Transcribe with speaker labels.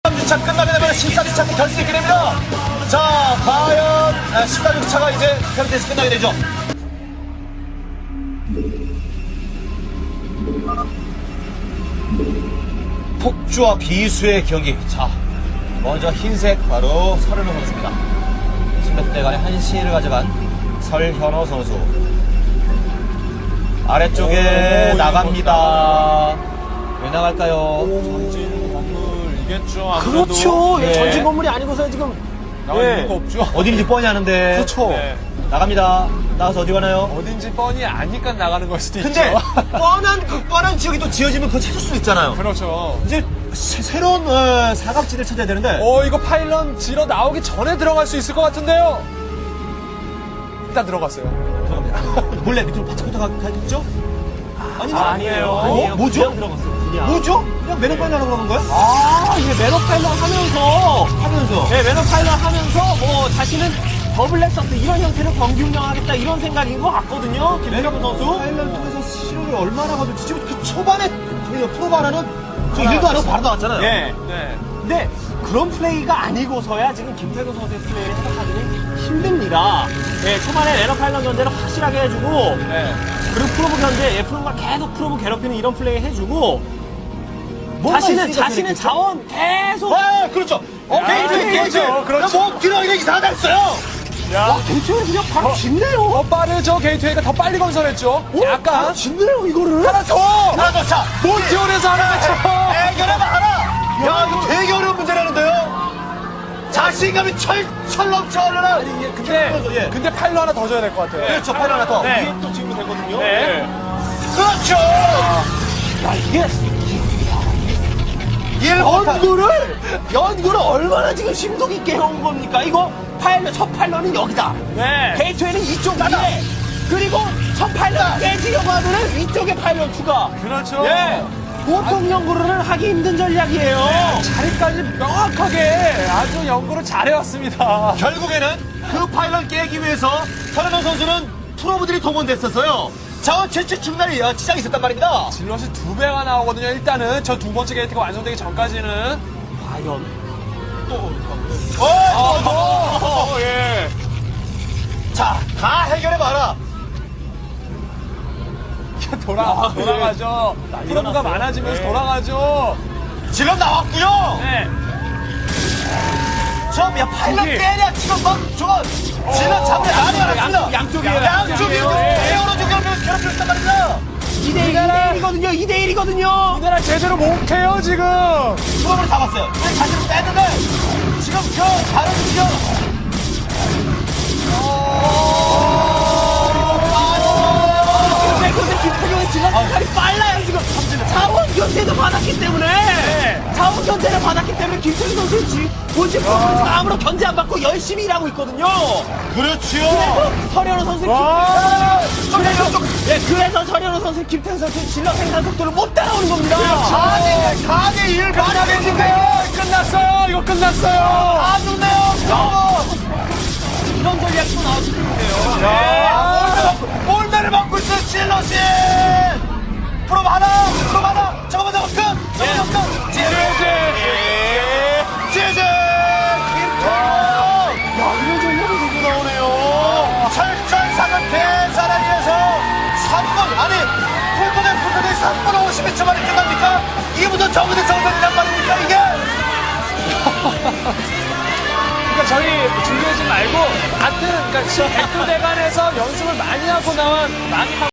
Speaker 1: 13주차 끝나게 되면 14주차 결승이 있게 됩니다. 자, 과연 14주차가 이제 페르테스 끝나게 되죠. 폭주와 비수의 경기. 자, 먼저 흰색 바로 설현호 선수입니다. 10몇 대간의 한시를 가져간 설현호 선수. 아래쪽에 나갑니다. 왜 나갈까요?
Speaker 2: 전진 건물이겠죠.
Speaker 3: 그렇죠.
Speaker 1: 네.
Speaker 3: 전진 건물이 아니고서 지금
Speaker 2: 나와 있는 거 없죠.
Speaker 1: 어딘지 뻔히 아는데.
Speaker 3: 그렇죠.
Speaker 2: 네.
Speaker 1: 나갑니다. 나가서 어디 가나요?
Speaker 2: 어딘지 뻔히 아니까 나가는 걸 수도
Speaker 1: 근데
Speaker 2: 있죠.
Speaker 1: 뻔한 지역이 또 지어지면 그거 찾을 수 있잖아요.
Speaker 2: 그렇죠.
Speaker 1: 이제 새로운 사각지대를 찾아야 되는데.
Speaker 2: 이거 파일럿 지러 나오기 전에 들어갈 수 있을 것 같은데요. 일단 들어갔어요.
Speaker 1: 몰래 밑으로 바짝부터 가겠죠?
Speaker 3: 아니에요.
Speaker 1: 뭐죠?
Speaker 3: 그냥 들어갔어요. 그냥.
Speaker 1: 뭐죠? 그냥 매너 빨리 하라고 그러는 거야?
Speaker 3: 이게 매너 파일럿 하면서
Speaker 1: 네,
Speaker 3: 매너 파일럿 하면서 뭐 자신은 더블 렉서스 이런 형태로 경기 운영하겠다 이런 생각인 것 같거든요. 김태경 선수.
Speaker 1: 파일럿 통해서 시료를 얼마나 거둘지 지금 그 초반에 프로바라는 저 일도 안 하고 바로 나왔잖아요.
Speaker 3: 네.
Speaker 2: 네.
Speaker 3: 근데 그런 플레이가 아니고서야 지금 김태경 선수의 플레이를 해석하기는 힘듭니다. 네, 초반에 매너 파일럿 견제를 확실하게 해주고
Speaker 2: 네.
Speaker 3: 그리고 프로브 견제, 프로브가 계속 프로브 괴롭히는 이런 플레이 해주고
Speaker 1: 뭔가
Speaker 3: 자신은
Speaker 1: 있으니까
Speaker 3: 자신의
Speaker 1: 그랬겠죠?
Speaker 3: 자원 계속
Speaker 1: 그렇죠.
Speaker 2: 게이트,
Speaker 1: 게이트.
Speaker 2: 그렇죠.
Speaker 1: 뭐 들어가기가 이상하겠어요.
Speaker 2: 야.
Speaker 3: 대체로 그냥 바로 짓네요.
Speaker 2: 더 빠르죠. 게이트웨이가 더 빨리 건설했죠. 약간
Speaker 3: 짓네요 이거를.
Speaker 2: 하나 더.
Speaker 1: 하나 더 차.
Speaker 2: 몬티온에서 하나 더.
Speaker 1: 해결해봐 하나. 야 이거 되게 어려운 문제라는데요. 자신감이 철 넘쳐오르는. 예.
Speaker 2: 근데 파일럿 하나 더 줘야 될 것 같아요.
Speaker 1: 그렇죠. 파일 하나 더.
Speaker 2: 네.
Speaker 1: 이게 또 지금 되거든요.
Speaker 2: 네.
Speaker 1: 그렇죠.
Speaker 3: 야 이게 연구를 얼마나 지금 심도 깊게 해온 겁니까? 이거 파일럿 첫 파일럿은 여기다.
Speaker 2: 네.
Speaker 3: 게이트웨이는 이쪽 위에. 그리고 첫 파일럿 깨지려고 하면은 위쪽에 파일럿 추가.
Speaker 2: 그렇죠.
Speaker 3: 예. 보통 연구를 하기 힘든 전략이에요.
Speaker 2: 자리까지 명확하게 아주 연구를 잘해왔습니다.
Speaker 1: 결국에는 그 파일럿 깨기 위해서 설현호 선수는 프로브들이 동원됐었어요. 자원 채취 중단이 지장이 있었단 말입니다.
Speaker 2: 질럿이 2배가 나오거든요. 일단은 저 두 번째 게이트가 완성되기 전까지는.
Speaker 3: 과연
Speaker 2: 예.
Speaker 1: 자, 다 해결해봐라.
Speaker 2: 돌아가죠. 프로브가 많아지면서 돌아가죠.
Speaker 1: 지금 나왔고요.
Speaker 2: 네.
Speaker 1: 야 파일럿
Speaker 2: 저기.
Speaker 1: 깨냐 지금 막 저거 질러 잡으려 난리 났습니다.
Speaker 3: 양쪽이에요.
Speaker 1: 양쪽이
Speaker 2: 네.
Speaker 1: 에어로 괴롭히고 있단 말이야.
Speaker 3: 2대1이거든요. 2대1이거든요.
Speaker 2: 우리나라 제대로 못해요 지금.
Speaker 1: 프로브를 잡았어요. 근데 자신을 뺐는데 지금 그 다른 지금
Speaker 3: 근데 김태경의 질럿 색깔이 빨라요 지금. 자원 견제도 받았기 때문에 자원 견제를 받았기 때문에 김태경 선수 본진 프로그램 아무런 견제 안 받고 열심히 일하고 있거든요.
Speaker 1: 그렇지요.
Speaker 3: 그래서 서현우 선수
Speaker 2: 와.
Speaker 3: 그래서 서현우 선수 김태경 선수 질럿 생산 속도를 못 따라오는 겁니다.
Speaker 1: 4대 1 만약인데요.
Speaker 2: 끝났어요. 이거 끝났어요.
Speaker 1: 아 좋네요.
Speaker 3: 이런 전략이 또 나올 수 있는데요.
Speaker 1: 볼매를 먹고 있어 질러시. 프로 하나. 잠깐만 끝. 끝. 지지. 김태형.
Speaker 3: 이런 전략이 되고 나오네요.
Speaker 1: 철저상을 계산하기 위해서 3분 아니 풀터대 3분 52초 만에 끝납니까? 이부터 저부터 정전이란 말입니까 이게?
Speaker 2: 그러니까 저희 준비하지 말고 같은 그러니까 백두대간에서 연습을 많이 하고 나온 많이 하고